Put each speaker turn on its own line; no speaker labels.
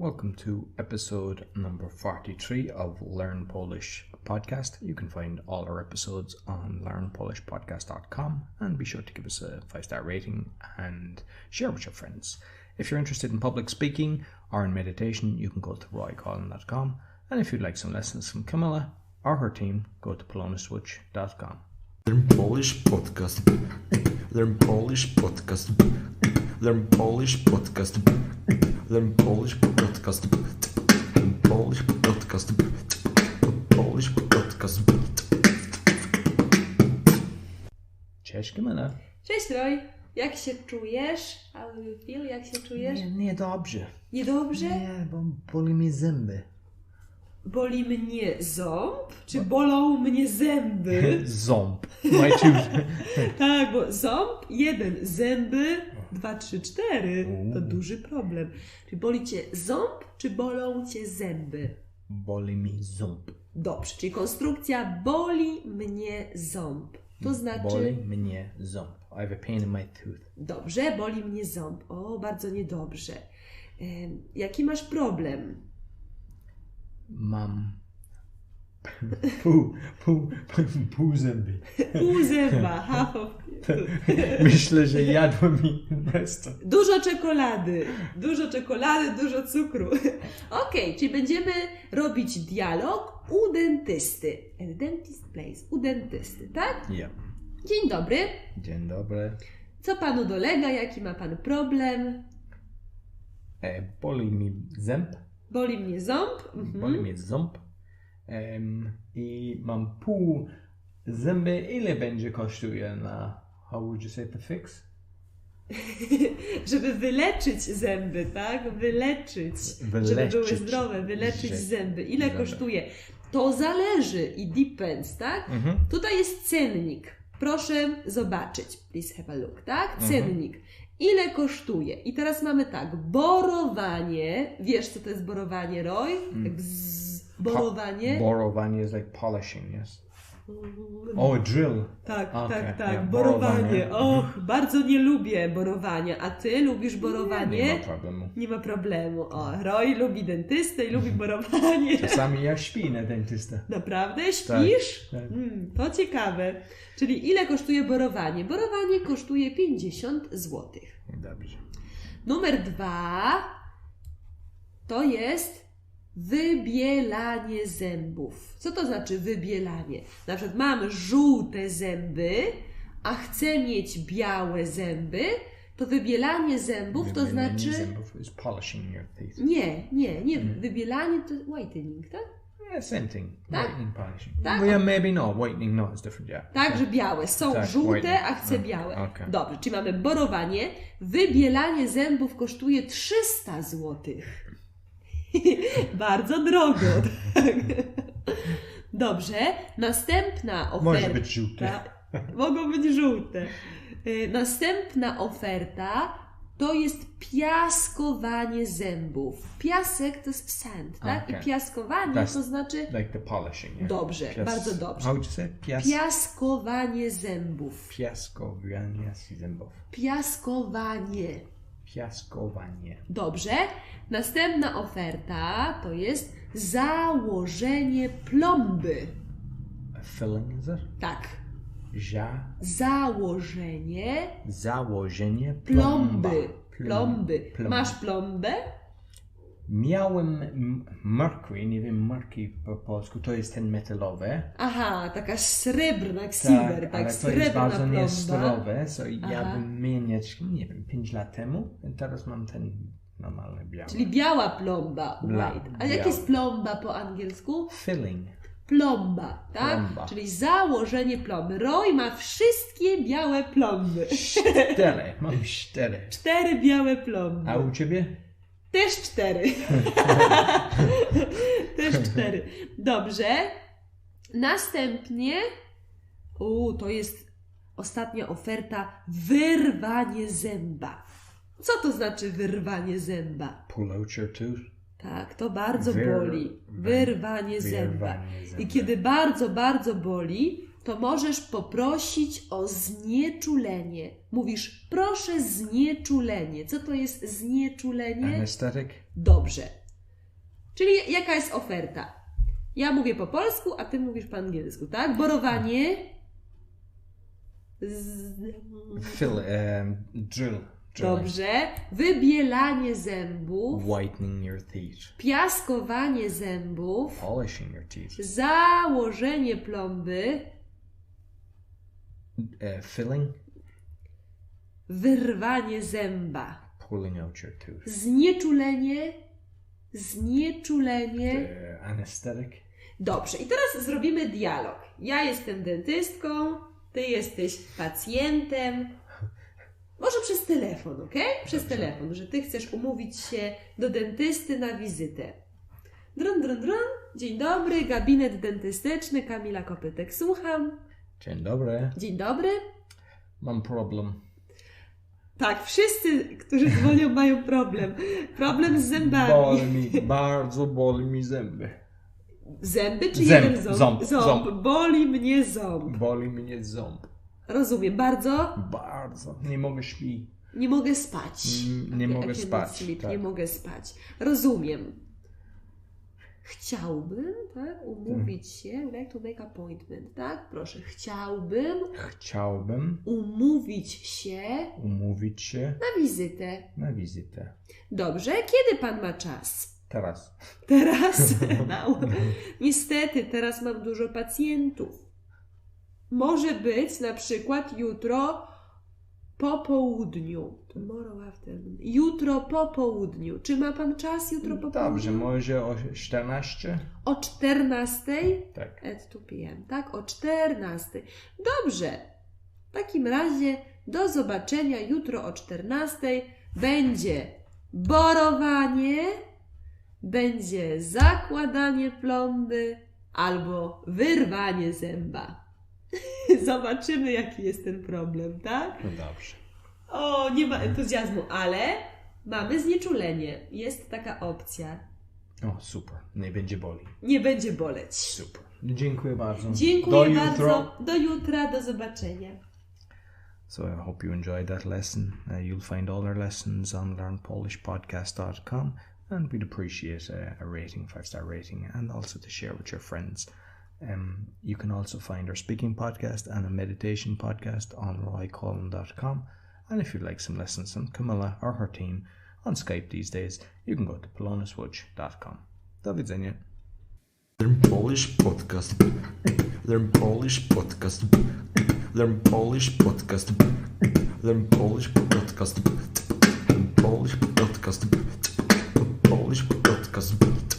Welcome to episode number 43 of Learn Polish Podcast. You can find all our episodes on learnpolishpodcast.com and be sure to give us a 5-star rating and share with your friends. If you're interested in public speaking or in meditation, you can go to roycollin.com, and if you'd like some lessons from Camilla or her team, go to polonaswitch.com.
Learn Polish Podcast. Learn Polish Podcast. Learn Polish Podcast. Learn Polish Podcast. Learn Polish Podcast. Polish Podcast.
Cześć Camilla.
Cześć Roy, jak się czujesz? How do you feel? Jak się czujesz?
Niedobrze.
Niedobrze?
Nie, bo boli mi zęby.
Boli mnie ząb? Czy bolą mnie zęby?
Ząb. My tooth.
Tak, bo ząb, 1, zęby 2, 3, 4. To duży problem. Czy boli cię ząb, czy bolą cię zęby?
Boli mi ząb.
Dobrze, czyli konstrukcja boli mnie ząb. To znaczy...
Boli mnie ząb. I have a pain in my tooth.
Dobrze, boli mnie ząb. O, bardzo niedobrze. Jaki masz problem?
Mam pół zęby.
Pół zęba, half of...
Myślę, że jadłem mi resztę.
Dużo czekolady, dużo cukru. Okej, czyli będziemy robić dialog u dentysty. At the dentist place, u dentysty, tak?
Ja.
Dzień dobry.
Dzień dobry.
Co panu dolega? Jaki ma pan problem?
Boli mi ząb.
Boli mnie ząb.
Boli mnie ząb. I mam pół zęby. Ile będzie kosztuje na... How would you say to fix?
Żeby wyleczyć zęby, tak? Wyleczyć. Żeby były zdrowe, wyleczyć zęby. Ile kosztuje? To zależy i depends, tak? Tutaj jest cennik. Proszę zobaczyć. Please have a look, tak? Cennik. Ile kosztuje? I teraz mamy tak. Borowanie. Wiesz, co to jest borowanie, Roy? Borowanie.
Borowanie is like polishing, yes? Oh, a drill.
Tak,
Okay,
tak.
yeah,
Borowanie. Och, bardzo nie lubię borowania. A ty lubisz borowanie?
Nie ma problemu.
Nie ma problemu. O, Roy lubi dentystę i lubi borowanie.
Czasami ja śpię na dentystę.
Naprawdę? Śpisz?
Tak.
To ciekawe. Czyli ile kosztuje borowanie? Borowanie kosztuje 50 zł.
Dobrze.
Numer 2 to jest wybielanie zębów. Co to znaczy wybielanie? Na przykład mam żółte zęby, a chcę mieć białe zęby, to wybielanie zębów to znaczy...
zębów is polishing your teeth.
Nie. Wybielanie to whitening, tak?
Yeah, same thing.
Tak?
Whitening, polishing.
Tak?
Well, yeah, maybe not. Whitening not is different, yeah.
Tak, że białe. Są
Tak,
żółte,
whitening.
a chcę białe.
Okay.
Dobrze, czyli mamy borowanie. Wybielanie zębów kosztuje 300 zł. Bardzo drogo. Tak. Dobrze, następna oferta.
Może być żółte.
Mogą być żółte. Następna oferta to jest piaskowanie zębów. Piasek to jest sand, tak?
Okay.
I piaskowanie to znaczy...
Like the polishing, yeah.
Dobrze, bardzo dobrze.
How would you say?
Piaskowanie zębów.
Piaskowanie zębów. Piaskowanie.
Dobrze. Następna oferta to jest założenie plomby.
A filling, is it?
Tak.
Założenie
Plomby.
Plomby.
Masz plombę?
Miałem mercury, nie wiem, mercury po polsku, to jest ten metalowy.
Aha, taka srebrna, jak silver, tak,
ale to
srebrna
jest bardzo
plomba.
niezdrowe, so ja bym mieć, nie wiem, 5 lat temu, i teraz mam ten normalny biały.
Czyli biała plomba, white. A jak jest plomba po angielsku?
Filling.
Plomba, tak?
Plomba.
Czyli założenie plomby. Roy ma wszystkie białe plomby.
4, mam 4.
4 białe plomby.
A u Ciebie?
Też 4. Też 4. Dobrze. Następnie to jest ostatnia oferta. Wyrwanie zęba. Co to znaczy wyrwanie zęba?
Pull out your tooth.
Tak, to bardzo boli. Wyrwanie zęba. I kiedy bardzo, bardzo boli, to możesz poprosić o znieczulenie. Mówisz, proszę znieczulenie. Co to jest znieczulenie?
Anesthetic?
Dobrze. Czyli jaka jest oferta? Ja mówię po polsku, a ty mówisz po angielsku, tak? Borowanie.
Drill.
Dobrze. Wybielanie zębów.
Whitening your teeth.
Piaskowanie zębów.
Polishing your teeth.
Założenie plomby.
Filling.
Wyrwanie zęba.
Pulling out your tooth.
Znieczulenie.
Anesthetic.
Dobrze, i teraz zrobimy dialog. Ja jestem dentystką, ty jesteś pacjentem. Może przez telefon, ok? Przez telefon, że ty chcesz umówić się do dentysty na wizytę. Drun, drun, drun. Dzień dobry, gabinet dentystyczny, Kamila Kopytek. Słucham.
Dzień dobry.
Dzień dobry.
Mam problem.
Tak, wszyscy, którzy dzwonią, mają problem. Problem z zębami.
Bardzo boli mi zęby.
Zęby czy
Ząb,
jeden ząb?
ząb.
Boli mnie ząb.
Boli mnie ząb.
Rozumiem, bardzo?
Bardzo. Nie mogę śpić.
Nie mogę spać.
Nie mogę
I cannot
spać.
sleep.
Tak.
Nie mogę spać. Rozumiem. Chciałbym, tak, umówić się, would like to make appointment, tak? Proszę, chciałbym umówić się na wizytę. Dobrze, kiedy pan ma czas?
Teraz.
Teraz? No. Niestety, teraz mam dużo pacjentów. Może być na przykład jutro po południu. Tomorrow afternoon. Jutro po południu. Czy ma pan czas jutro po południu?
Dobrze, może o 14?
O 14?
Tak.
At 2 p.m., tak? O 14. Dobrze. W takim razie do zobaczenia jutro o 14. Będzie borowanie, będzie zakładanie plomby albo wyrwanie zęba. Zobaczymy, jaki jest ten problem, tak?
No dobrze.
O, nie ma entuzjazmu, ale mamy znieczulenie. Jest taka opcja.
O, super. Nie będzie boli.
Nie będzie boleć.
Super. Dziękuję bardzo.
Dziękuję bardzo. Do jutra. Do zobaczenia.
So I hope you enjoyed that lesson. You'll find all our lessons on learnpolishpodcast.com, and we'd appreciate a rating, 5-star rating, and also to share with your friends. You can also find our speaking podcast and a meditation podcast on roycullen.com. And if you'd like some lessons from Camilla or her team on Skype these days, you can go to polonaswitch.com. Do widzenia.
Learn Polish podcast. Learn Polish podcast. Learn Polish podcast. Learn Polish podcast. Learn Polish podcast. Polish podcast.